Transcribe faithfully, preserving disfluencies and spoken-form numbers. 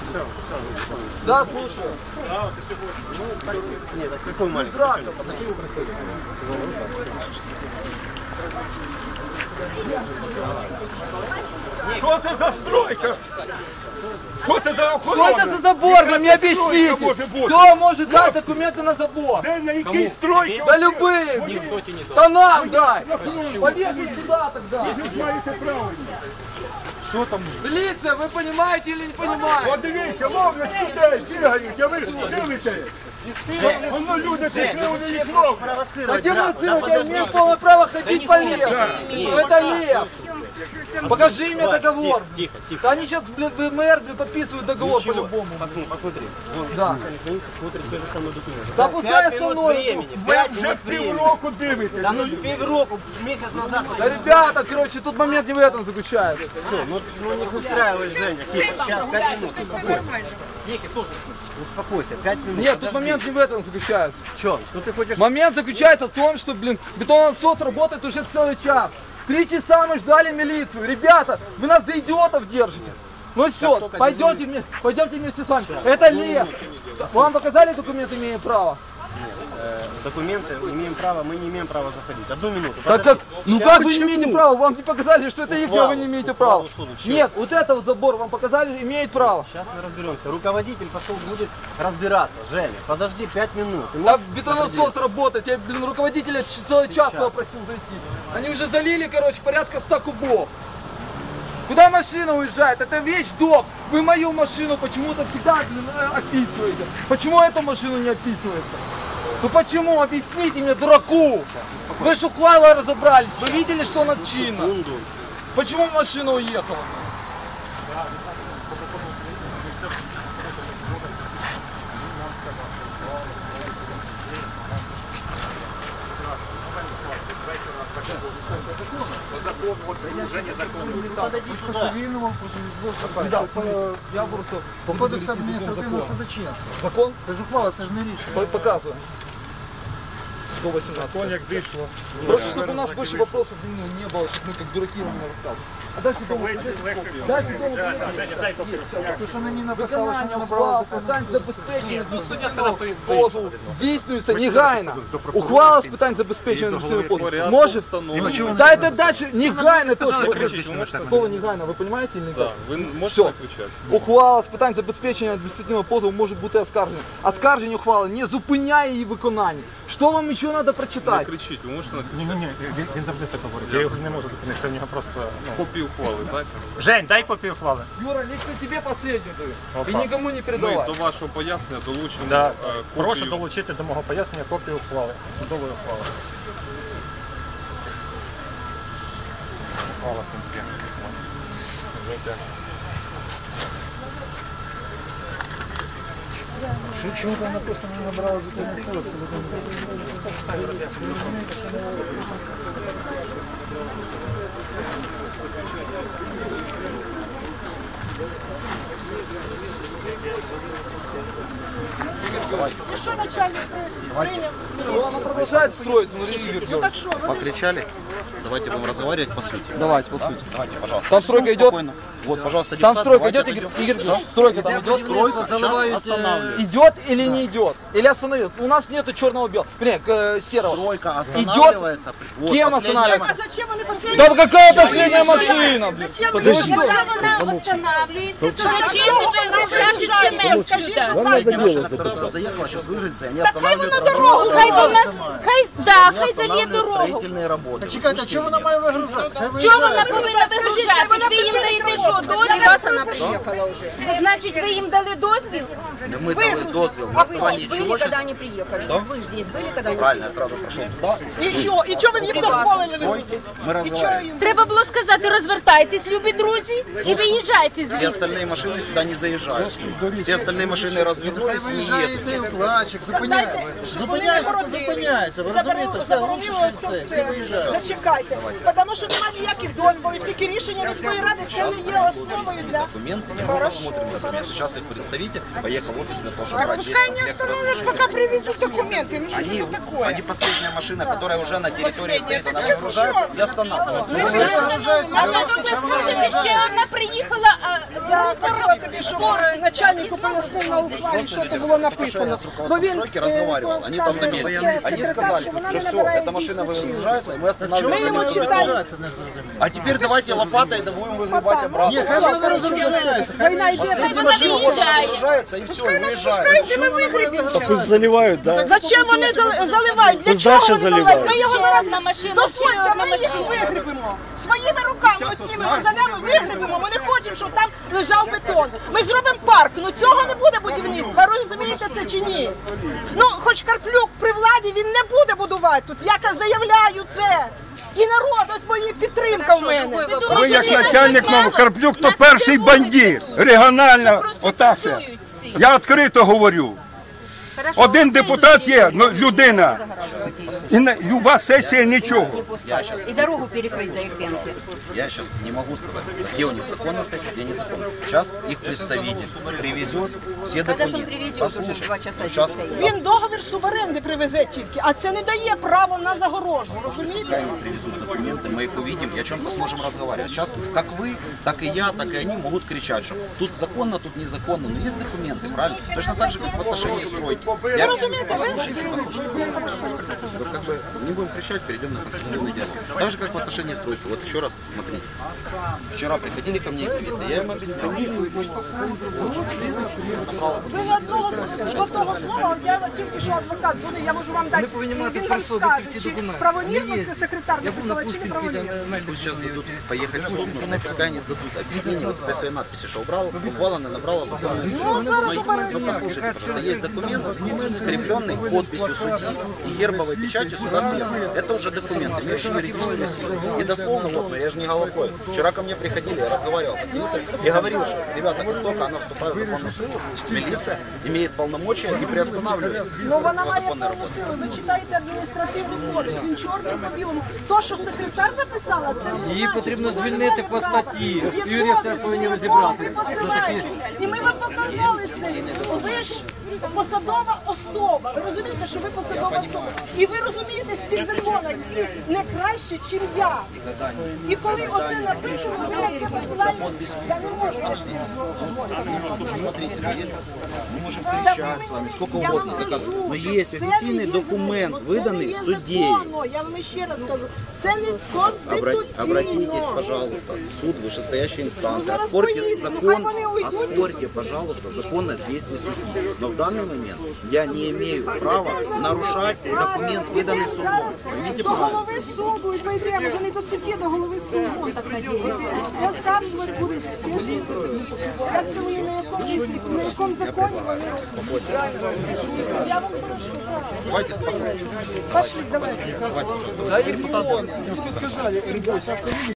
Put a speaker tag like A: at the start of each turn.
A: Да, слушаю.
B: Нет, так какой маленький?
C: Что это за стройка? Что это за
A: Что
C: охорона?
A: это за забор? Вы мне объясните. Кто может дать документы на забор?
C: Да на какие стройки?
A: Да любые. Да нам дай. Повешай сюда тогда.
C: Что там?
A: Милиция, вы понимаете или не понимаете?
C: Вот дивіться, ловлять людей, бігають, а ви дивитесь. Воно люди прийшли, вони їх ловлять.
A: Хотим провоцировать, я имею полное право ходить по лесу. Это лес. Покажи мне договор.
B: Тихо, тихо.
A: Да они сейчас, блин, в МР блин, подписывают договор по-любому.
B: Посмотри, посмотри. Вон,
A: Да.
B: механик смотрит те же самые документы.
A: Да пускай
B: Пять минут
A: остановят.
B: времени.
C: Ви
B: Пять
C: вже
B: минут времени.
C: півроку дивитесь.
B: Да ну півроку, месяц назад.
A: Да ребята, короче, тут момент не в этом заключается.
B: Все, ну, ну не устраивай, Женя. Тихо, сейчас, пять минут. Успокойся. Успокойся, пять минут.
A: Нет, тут
B: Подожди.
A: момент не в этом заключается.
B: В чем? Ну ты хочешь...
A: Момент заключается в том, что, блин, бетоносос работает уже целый час. Три часа мы ждали милицию. Ребята, вы нас за идиотов держите. Ну все,
B: только
A: пойдемте, вме- пойдемте вместе с вами. Это лес. Вам показали документы, имея право?
B: Э, документы, имеем право, мы не имеем права заходить. Одну минуту.
A: Так
B: подожди.
A: как, ну как вы не имеете права? Вам не показали, что это их,
B: Ухвалу,
A: вы не имеете права.
B: ухвалу суду, чё?
A: Нет, вот это вот забор вам показали, имеет право.
B: Сейчас мы разберемся. Руководитель пошел, будет разбираться. Женя, подожди пять минут. Ты
A: Да
B: можешь
A: бетоносос работает, я, блин, руководителя ч- целый час туда просил зайти. Они уже залили, короче, порядка ста кубов. Куда машина уезжает? Это вещдок. Вы мою машину почему-то всегда, блин, э, описываете. Почему эту машину не описывается? Ну почему? Объясните мне, дураку. Вы ж ухвалы разобрались, вы видели, что она чинна?
B: секунду.
A: Почему машина уехала? Да, я просто...
D: По кодексу адміністративного судочинства.
A: Закон?
D: Це ж ухвала, це ж не рішення.
A: Показываем. сто восемнадцать.
C: Як дишло.
A: Просто чтобы у нас больше вопросов ну, не было, чтобы мы как дураки вам не рассказывали. А дальше дома Дальше дома
D: Тому що мені написали, що
A: виконання
D: не набрали
A: ухвал,
D: закону.
A: питань забезпечення адміністративного позову здійснюється негайно. Ухвала з питань забезпечення адміністративного позову. Може? Да это дальше негайно точно. Слово негайно, ви розумієте или не так?
E: Ви можете
A: Все.
E: виключати?
A: Ухвала з питань забезпечення адміністративного позову може бути оскаржена. Оскарження ухвали не зупиняє її виконання. Що вам ще треба
E: Не
A: прочитати?
E: кричіть, ви можете
F: Ні, ні, ні, він, він завжди так говорить. Я його не можу зупинити, це в нього просто. Ну.
E: копію ухвали, дайте.
F: Жень, дай копію ухвали.
A: Юра, лично тебе последнюю даю.
F: Опа.
A: И никому не
E: Ми
A: передавай.
E: до вашого пояснення долучимо
F: Да.
E: е,
F: Прошу
E: копію.
F: долучити до мого пояснення копію ухвали, судової ухвали. Ухвала в кінці. Вже так.
D: Що- Чому там написано, не набрали законну силу?
G: И что начальник принял?
A: Она продолжает строиться, смотри, Игорь.
G: Ну так что, вот
B: Покричали? Давайте будем разговаривать по сути.
A: Давайте, по сути.
B: Давайте, пожалуйста.
A: Там стройка идет?
B: Вот, пожалуйста,
A: Там
B: депутат,
A: стройка
B: давайте
A: идет, Игорь?
B: отойдем.
A: Игорь, стройка там идет?
B: Стройка сейчас останавливается.
A: Идет или не идет? Или остановил? У нас нету черного белого. Вернее, э, серого.
B: Стройка
A: Идет?
B: останавливается. Вот,
A: Кем
B: последняя
A: останавливается?
G: а зачем они последние?
A: Да какая последняя машина, блин?
G: Зачем
A: Подожди.
G: они
A: Что?
G: зачем
H: Вона останавливается, то зачем ви вигружаєте цемент сюди?
B: Последняя машина, которая заехала, сейчас выгрузится, они останавливают
G: на дорогу
H: Хай вона, хай, да,
B: Они
H: хай залє
B: останавливают
H: дорогу.
B: строительные работы. Вы
D: Чекайте,
B: слышите
D: чого вона має вигружатися? Хай
H: Чого
D: виїжджає.
H: вона повинна вигружати? Ви їм даєте що, дозвіл?
G: приехала уже.
H: Значить, ви їм дали дозвіл?
B: Да мы дали дозвел на
G: А
B: основании
G: вы
B: чего
G: были,
B: сейчас...
G: когда они приехали? Вы же здесь были, когда они
B: Правильно, я сразу прошел туда.
G: И что? И что вы не дозволили?
B: Мы разговариваем.
H: Треба було сказати, розвертайтесь, любі друзі, і виїжджайте
B: Все
H: звідси.
B: остальные машины сюда не заезжают. Все
I: остальные машины развернулись и не едут.
D: Виїжджає укладчик, зупиняється. Зупиняється, це зупиняється. Ви розумієте, все, глушиться і все, всі виїжджають.
G: Зачекайте, тому що немає ніяких дозволів, тільки рішення міської ради, це не є основою для...
I: Документ, мы посмотрим документ. Сейчас их представитель поехал в офис для того, чтобы брать
G: Пускай не остановят, пока привезут документы. Ну что
I: Они,
G: это такое?
I: они последняя машина, которая уже на территории стоит, она выгружается и останавливается.
H: А потім ви скажете, ще одна приїхала, а
G: Я хотіла тобі, щоб начальнику пояснив на ухвалі, що це було написано. Бо він
I: Стройки разговаривал, они там на месте. Они сказали, что все, эта машина выгружается, и мы останавливаемся.
G: Ми йому читаємо.
I: А теперь давайте лопатой да будем выгребать обратно.
D: Ні, хай вони розробляються.
G: Війна йде.
I: Последняя машина вот она выгружается, и все, уезжает.
G: Ми вигребемо.
C: Заливають, так?
G: Зачем вони зал- заливають? Для чого вони заливають? Ми його
H: ще одна машина,
G: дозвольте,
H: ще одна
G: ми їх
H: машина.
G: вигребемо. Своїми руками, оціми мозолями вигребемо. Ми не хочемо, щоб там лежав бетон. Ми зробимо парк. Ну цього не буде будівництва. Ви розумієте це чи ні? Ну, хоч Карплюк при владі, він не буде будувати тут. Я заявляю це. І народ, ось моя підтримка в мене.
C: Ви як начальник мов, Карплюк то перший бандит. Регіональна, ота все. Я відкрито говорю. Один депутат є, ну, людина. І на люба сесія нічого.
G: І дорогу перекрити до Ірпенки.
I: Я сейчас не могу сказать, где у них законность, где незаконно. Сейчас их представитель привезет все документы. Послушайте, сейчас
G: Він договір суборенди привезе тільки, а це не дає право на загорожу. Розумієте?
I: пускай им привезут документы, мы их увидим и о чем-то сможем разговаривать. Сейчас как вы, так и я, так и они могут кричать, что тут законно, тут незаконно, но есть документы, правильно? Точно так же, как в отношении стройки. Я...
G: разумеете, вы-
I: Послушайте, послушайте. Вот как бы не будем кричать, перейдем на конструктивный диалог. Так же, как в отношении стройки. Вот еще раз смотрите. Вчера приходили ко мне активисты, я им объяснял. Пожалуйста.
G: Ви одного, одного слова, я тільки що адвокат дзвонив, я можу вам дати, він вам скаже, чи правомірно це секретар написала, чи не правомірно.
I: Пусть сейчас дадут поехать в суд, нужно, пускай они дадут объяснение вот этой своей надписи, что убрал, буквально она набрала законную силу. Но, но послушайте, просто есть документ, скрепленный подписью судьи и гербовой печатью суда сверху. Это уже документ, имеющий юридическую силу. И дословно, вот, но я же не голословен. Вчера ко мне приходили, я разговаривал с активистами и говорил, что, ребята, как только она вступает в законную силу, милиция имеет полномочия и приостанавливает
G: Ну вона має
I: законные
G: повну
I: работы.
G: силу, ви читаєте адміністративний кодекс, він чорним по білому. То, що секретар написала, це не
J: Її
G: значить,
J: потрібно
G: що вона не
J: звільнити
G: має
J: по
G: права.
J: статті.
G: В
J: Юристи
G: якому?
J: повинні
G: В
J: розібратися
G: якому? Ви
J: за такі.
G: посилаєтесь. І ми вам показали це. Ви ж посадова особа. Ви розумієте, що ви посадова особа. І ви розумієте з цих законів і не краще, ніж я. І коли оце напишемо, ви на це посилаєте, я не можу. Я ж це
I: Смотрите, ну, есть, мы можем кричать с вами сколько угодно, доказывать. Но есть официальный документ, выданный судьей.
G: Я вам ще раз скажу, це не
I: Обра-
G: конституційно.
I: Обратитесь, пожалуйста, в суд, вышестоящей инстанции,
G: Зараз
I: оспорьте
G: поїдемо,
I: закон,
G: хай вони уйдуть.
I: оспорьте, пожалуйста, законность действий судьи. Но в данный момент я не имею права нарушать документ, выданный судом. Поймите
G: До
I: правильно.
G: голови суду і пойдемо, вже не до судді, до голови суду. Оскаржувати будуть всі. Як це ви на якому, на якому законі? Я вам прошу, правда.
I: Давайте спокойно.
G: Пошли, давайте.
A: Да и депутаты. Что сказали, ребята,